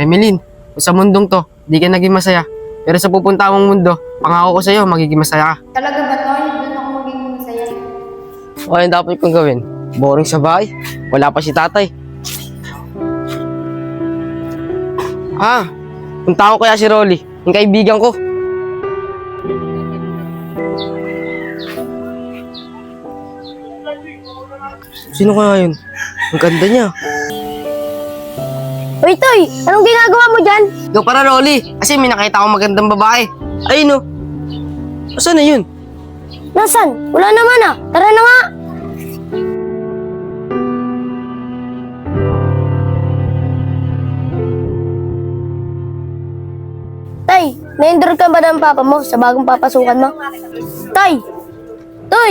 Emeline, kung sa mundong to, di ka naging masaya. Pero sa pupunta mong mundo, pangako ko sa'yo, magiging masaya ka. Talaga ba, Toy? Doon ako magiging masaya. O ano dapat kong gawin? Boring sa bahay. Wala pa si tatay. Punta ko kaya si Rolly, yung kaibigan ko. Sino kaya yun? Ang ganda niya. Uy, Toy! Anong ginagawa mo dyan? Ikaw para Rolly, kasi may nakita akong magandang babae. Ayun o. Asan na yun? Nasaan? Wala naman ah. Tara na nga! Tay, na-endure ka ba ng papa mo sa bagong papasukan mo? Tay! Toy!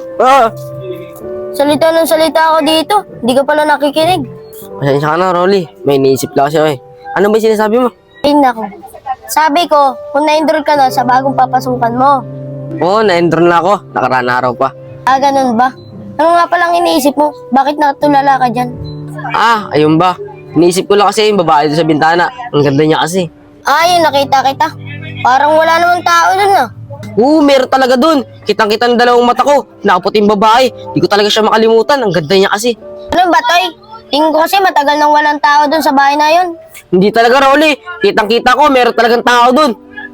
Salita ng salita ako dito. Hindi ka pala nakikinig. Pasensya ka na, Rolly. May iniisip lang kasi ako eh. Ano ba yung sinasabi mo? Ay, nako. Sabi ko, kung na-endure ka na sa bagong papasukan mo. Oo, na-endron na ako. Nakaraan na araw pa. Ah, ganun ba? Ano nga palang iniisip mo? Bakit natulala ka dyan? Ayun ba? Iniisip ko lang kasi yung babae doon sa bintana. Ang ganda niya kasi. Yun, nakita kita. Parang wala namang tao dun ah. Meron talaga doon. Kitang-kita ng dalawang mata ko. Nakaputing babae. Di ko talaga siya makalimutan. Ang ganda niya kasi. Ano ba, Toy? Tingin ko kasi matagal nang walang tao dun sa bahay na yun. Hindi talaga, Rolly. Kitang-kita ko, meron talagang tao doon.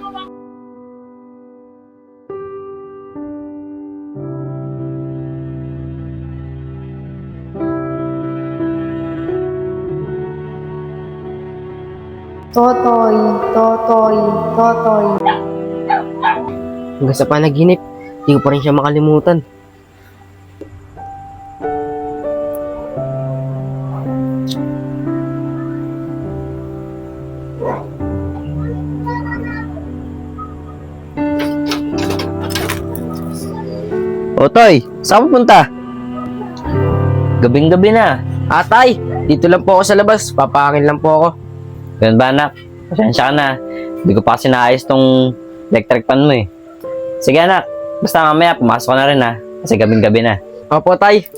Totoy, Totoy, Totoy. Hanggang sa panaginip, di ko pa rin siya makalimutan. Toy, saan pupunta? Gabing-gabi na. Tay, dito lang po ako sa labas. Papakain lang po ako. Ganun ba, anak? Pasensya ka na. Hindi ko pa kasi naayos tong electric fan mo eh. Sige, anak. Basta mamaya, pumasok ka na rin ha. Kasi gabing-gabi na. Opo, tay.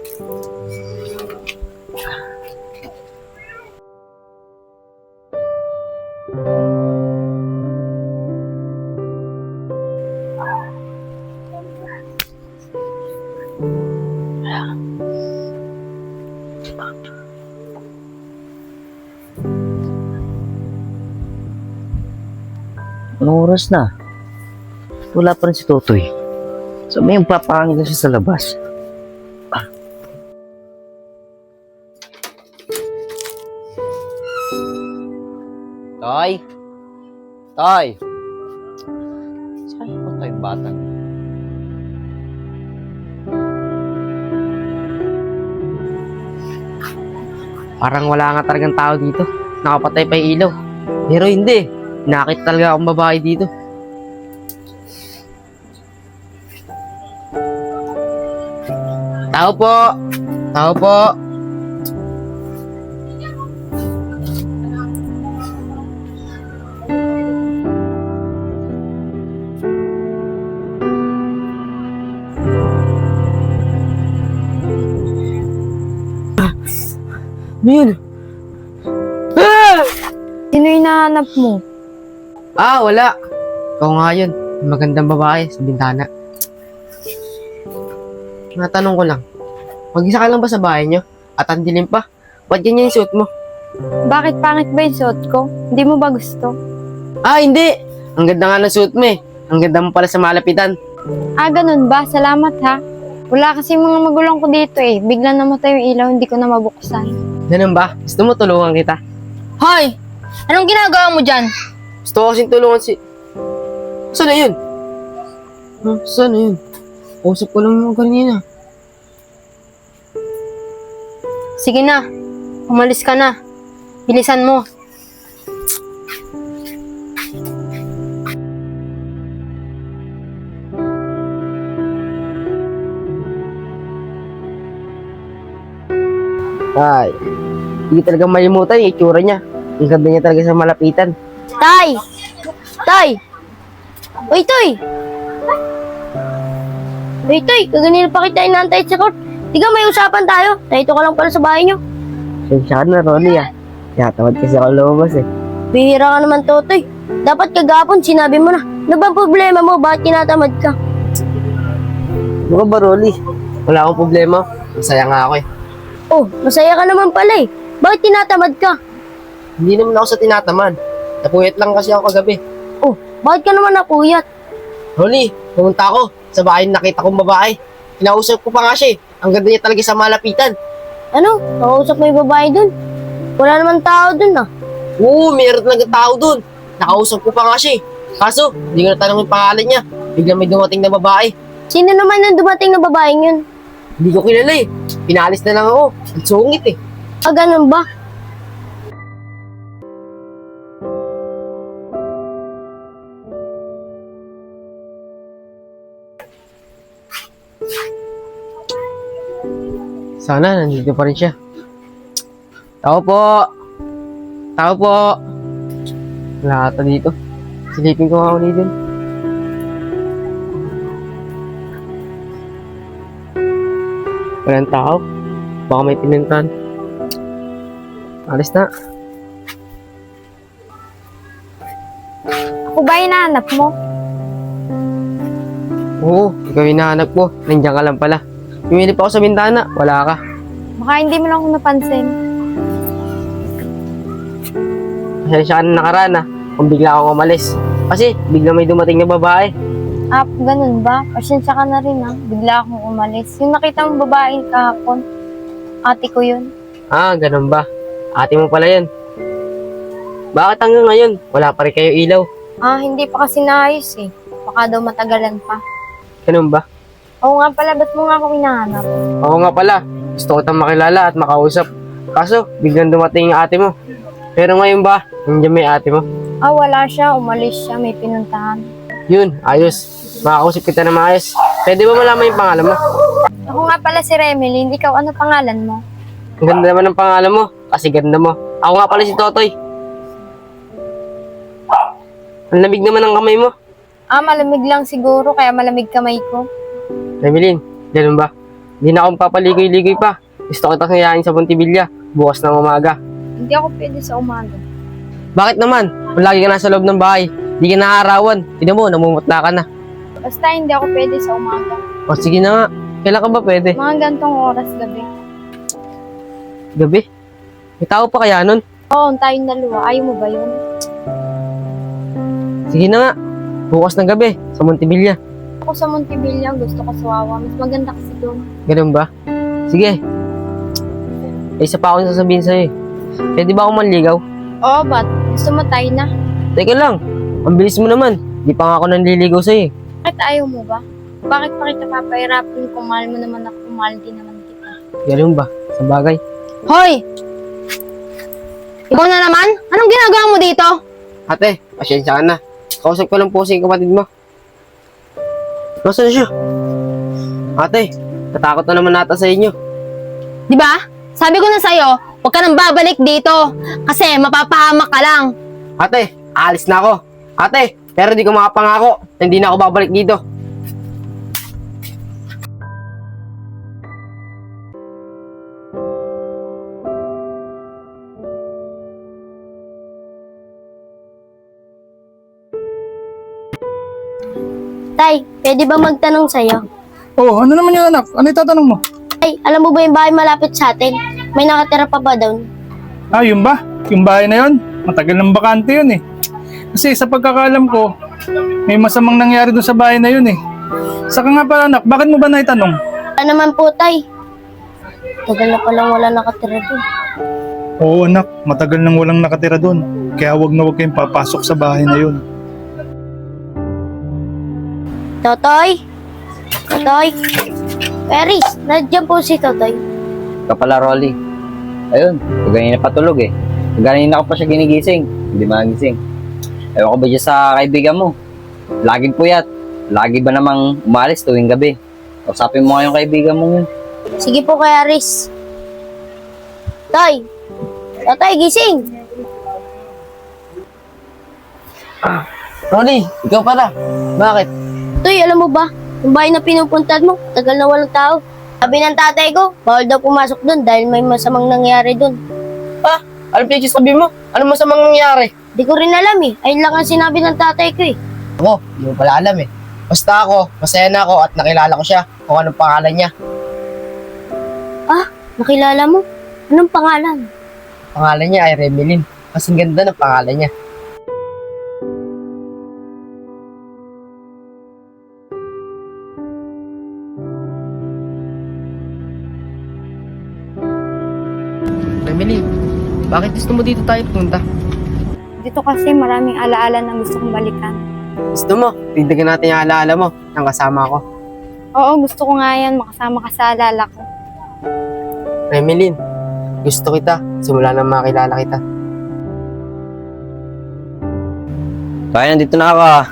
Anong oras na? Wala pa rin si Totoy. So may papangin na siya sa labas. Toy? Toy? Saan po tayo bata? Parang wala nga talagang tao dito. Nakapatay pa yung ilaw. Pero hindi. Nakita talaga akong babae dito. Tao po! Tao po! Ano yun? Sino yung nahanap mo? Wala. Ikaw nga yun. Yung magandang babae sa bintana. Natanong ko lang. Mag-isa ka lang ba sa bahay niyo? At ang dilim pa. Ba't ganyan yung suot mo? Bakit pangit ba yung suot ko? Hindi mo ba gusto? Hindi. Ang ganda nga ng suot mo eh. Ang ganda mo pala sa malapitan. Ganun ba? Salamat ha. Wala kasi mga magulang ko dito eh. Bigla namatay yung ilaw, hindi ko na mabuksan. Ganun ba? Gusto mo tulungan kita? Hoy! Anong ginagawa mo dyan? Gusto ko kasing tulungan si... Saan na yun? Saan na yun? Usap ko lang yung kanina. Sige na. Umalis ka na. Bilisan mo. Hindi talaga malimutan yung itsura niya. Ang ganda niya talaga sa malapitan. Tay! Tay! Uy, Toy! Uy, Toy! Kaganina pa kita inaantay sa court. Tiga, may usapan tayo. Nahito ka lang pala sa bahay niyo. Sensya ka na, Ronnie ah. Tinatamad kasi ako lumabas eh. Bihira ka naman, Totoy. Dapat kagapon sinabi mo na. Ano bang problema mo? Bakit tinatamad ka? Ano ka ba, Rolly? Wala akong problema. Masaya nga ako eh. Oh, masaya ka naman pala eh. Bakit tinatamad ka? Hindi naman ako sa tinatamad. Napuyat lang kasi ako kagabi. Oh, bakit ka naman napuyat? Rolly, pumunta ako sa bahay na nakita kong babae. Kinausap ko pa nga siya eh. Ang ganda niya talaga sa malapitan. Ano? Nakausap mo yung babae dun? Wala naman tao dun ah. Oo, meron talaga tao dun. Nakausap ko pa nga siya eh. Kaso, hindi ko natanong yung pangalan niya. Biglang may dumating na babae. Sino naman yung dumating na babaeng yun? Hindi ko kilala eh. Pinalis na lang ako. Ang sungit eh. Ah, ganun ba? Sana, nandito pa rin siya. Tao po! Tao po! Wala ata dito. Silipin ko nga ako dito. Walang tao. Baka may pinuntan. Alis na. Ako ba hinahanap mo? Oo, ikaw yung hinahanap ko. Nandiyan ka lang pala. Pumili pa ako sa bintana. Wala ka. Baka hindi mo lang ako napansin. Pasensya ka na nakaraan ah. Kung bigla akong umalis. Kasi bigla may dumating na babae. Ah, ganun ba? Pasensya ka na rin ah. Bigla akong umalis. Yung nakita mong babae kahapon, ate ko yun. Ah, ganun ba? Ate mo pala yun. Bakit hanggang ngayon? Wala pa rin kayo ilaw. Ah, hindi pa kasi naayos eh. Baka daw matagalan pa. Ganun ba? Oo nga pala, ba't mo nga ako hinahanap? Oo nga pala. Gusto ko tang makilala at makausap. Kaso, biglang dumating yung ate mo. Pero ngayon ba, nandiyan may ate mo? Ah, wala siya. Umalis siya. May pinuntahan. Yun, ayos. Makakausap kita na maayos. Pwede ba malaman yung pangalan mo? Ako nga pala si Remeline. Ikaw, ano pangalan mo? Ang ganda naman ng pangalan mo. Kasi ganda mo. Ako nga pala si Totoy. Ang lamig naman ng kamay mo. Ah, malamig lang siguro. Kaya malamig kamay ko. Emeline, ganun ba? Hindi na akong papaligoy-ligoy pa. Gusto kitang hayain sa Montevilla. Bukas ng umaga. Hindi ako pwede sa umaga. Bakit naman? Kung lagi ka nasa loob ng bahay, hindi ka naaarawan. Tignan mo, namumutla ka na. Basta hindi ako pwede sa umaga. O sige na nga. Kailan ka ba pwede? Mga gantong oras gabi. Gabi? May tao pa kaya nun? Oo, tayong dalawa. Ayaw mo ba yun? Sige na nga. Bukas ng gabi, sa Montevilla. Ako sa Montevilla, gusto ko sa Wawa. Mas maganda kasi doon. Ganun ba? Sige. May isa pa akong sasabihin sa'yo eh. Pwede ba akong manligaw? Oo, ba't? Gusto mo tayo na? Teka lang. Ang bilis mo naman. Di pa nga ako nanliligaw sa'yo eh. Bakit ayaw mo ba? Bakit pa kita papahirapan kung mahal mo naman ako, kung mahal din naman kita? Ganun ba? Sa bagay. Hoy! Ikaw na naman? Anong ginagawa mo dito? Ate, pasensya ka na. Kausap ko lang po si kapatid mo. Nasaan siya? Ate, natakot na naman nata sa inyo. Di ba? Sabi ko na sa'yo, huwag ka nang babalik dito. Kasi mapapahamak ka lang. Ate, aalis na ako. Ate, pero di ko makapangako na hindi na ako babalik dito. Tay, pwede ba magtanong sa'yo? Oh, ano naman yung anak? Ano itatanong mo? Tay, alam mo ba yung bahay malapit sa atin? May nakatira pa ba doon? Ah, yun ba? Yung bahay na yun? Matagal ng bakante yun eh. Kasi sa pagkakaalam ko, may masamang nangyari doon sa bahay na yun eh. Saka nga pala anak, bakit mo ba naitanong? Wala naman po, Tay. Tagal na palang wala nakatira doon. Oo anak, matagal nang walang nakatira doon. Kaya wag na wag kayong papasok sa bahay na yun. Totoy? Totoy? Paris, nandiyan po si Totoy. Kapala, Rolly. Ayun, ganyan na patulog eh. Ganyan ako pa siya ginigising. Hindi magising. Ewan ko ba dyan sa kaibigan mo? Laging puyat. Lagi ba namang umalis tuwing gabi? Usapin mo nga yung kaibigan mo yun. Sige po, Kuya Aris. Toy! Totoy, gising! Ronnie, ikaw pala. Bakit? Toy, alam mo ba? Yung bahay na pinupuntahan mo, tagal na walang tao. Sabi ng tatay ko, bawal daw pumasok doon dahil may masamang nangyari doon. Ano pinagsasabi mo? Ano masamang nangyari? Di ko rin alam eh. Ayun lang ang sinabi ng tatay ko eh. Ako, hindi mo pala alam eh. Basta ako, masaya na ako at nakilala ko siya kung anong pangalan niya. Ah, nakilala mo? Anong pangalan? Pangalan niya ay Remelin. Kasing ganda ng pangalan niya. Remelin, bakit gusto mo dito tayo punta? Dito kasi maraming alaala na gusto kong balikan. Gusto mo, tignan natin yung alaala mo ng kasama ko. Oo, gusto ko nga yan. Makasama ka sa alala ko. Remelin, gusto kita. Simula nang makilala kita. Kaya nandito na ako ah.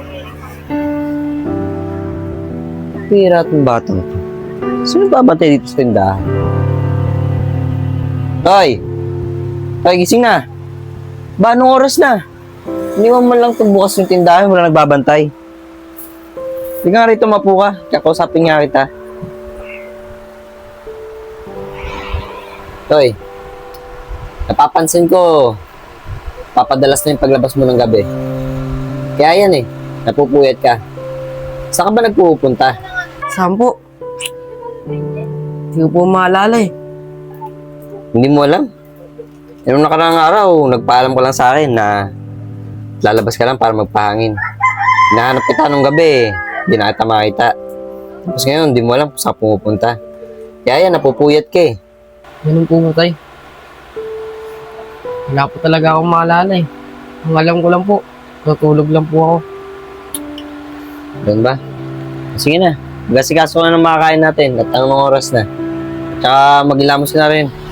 Pira itong batang to. Sino babantay dito sa tindahan? Toy! Toy, gising na! Ba, anong oras na? Hindi mo man lang itong bukas yung tindahan, wala nagbabantay. Hindi nga rito mapu ka, kakausapin nga kita. Toy, napapansin ko, papadalas na yung paglabas mo ng gabi. Kaya yan eh, napupuyat ka. Saan ka ba nagpupunta? Saan po? Hindi ko po maalala eh. Hindi mo alam? Nung nakaraang araw, nagpaalam ko lang sa akin na lalabas ka lang para magpahangin. Hinahanap kita nung gabi, hindi na kita makita. Tapos ngayon, hindi mo alam kung saan pumupunta. Kaya yan, napupuyat ka eh. Ganun po ba tayo? Wala po talaga akong maalala eh. Ang alam ko lang po, tutulog lang po ako. Doon ba? Sige na, magasikaso ka ng makakain natin at anong oras na. Tsaka maghilamos na rin.